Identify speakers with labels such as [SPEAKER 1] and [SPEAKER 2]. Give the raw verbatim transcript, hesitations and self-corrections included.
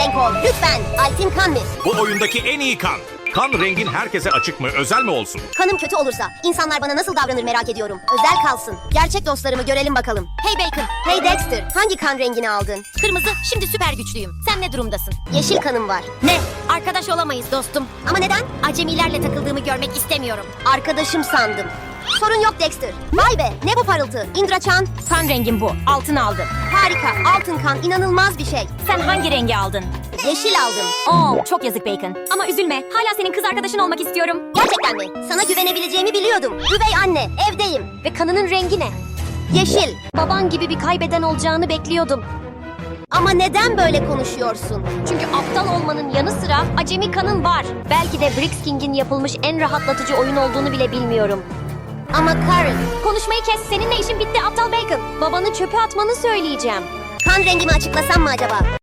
[SPEAKER 1] renk ol. Lütfen. Altin kan mı?
[SPEAKER 2] Bu oyundaki en iyi kan. Kan rengin herkese açık mı, özel mi olsun?
[SPEAKER 1] Kanım kötü olursa insanlar bana nasıl davranır merak ediyorum. Özel kalsın. Gerçek dostlarımı görelim bakalım.
[SPEAKER 3] Hey Bacon,
[SPEAKER 1] Hey Dexter, hangi kan rengini aldın?
[SPEAKER 3] kırmızı, şimdi süper güçlüyüm. Sen ne durumdasın?
[SPEAKER 1] Yeşil kanım var.
[SPEAKER 3] Ne? Arkadaş olamayız dostum.
[SPEAKER 1] Ama neden?
[SPEAKER 3] Acemilerle takıldığımı görmek istemiyorum.
[SPEAKER 1] Arkadaşım sandım. Sorun yok Dexter. Vay be, ne bu parıltı? Indraçan,
[SPEAKER 3] Kan rengim bu. Altın aldım.
[SPEAKER 1] harika. Altın kan, inanılmaz bir şey.
[SPEAKER 3] Sen hangi rengi aldın?
[SPEAKER 1] Yeşil aldım.
[SPEAKER 3] Oo, çok yazık Bacon. Ama üzülme. Hala senin kız arkadaşın olmak istiyorum.
[SPEAKER 1] Gerçekten mi? Sana güvenebileceğimi biliyordum. Üvey anne, evdeyim.
[SPEAKER 3] Ve kanının rengi ne?
[SPEAKER 1] Yeşil.
[SPEAKER 3] Baban gibi bir kaybeden olacağını bekliyordum.
[SPEAKER 1] Ama neden böyle konuşuyorsun?
[SPEAKER 3] Çünkü aptal olmanın yanı sıra acemi kanın var. Belki de Brix King'in yapılmış en rahatlatıcı oyun olduğunu bile bilmiyorum.
[SPEAKER 1] Ama Karen,
[SPEAKER 3] Konuşmayı kes. Seninle işin bitti aptal Bacon. Babanı çöpe atmanı söyleyeceğim.
[SPEAKER 1] kan rengimi açıklasam mı acaba?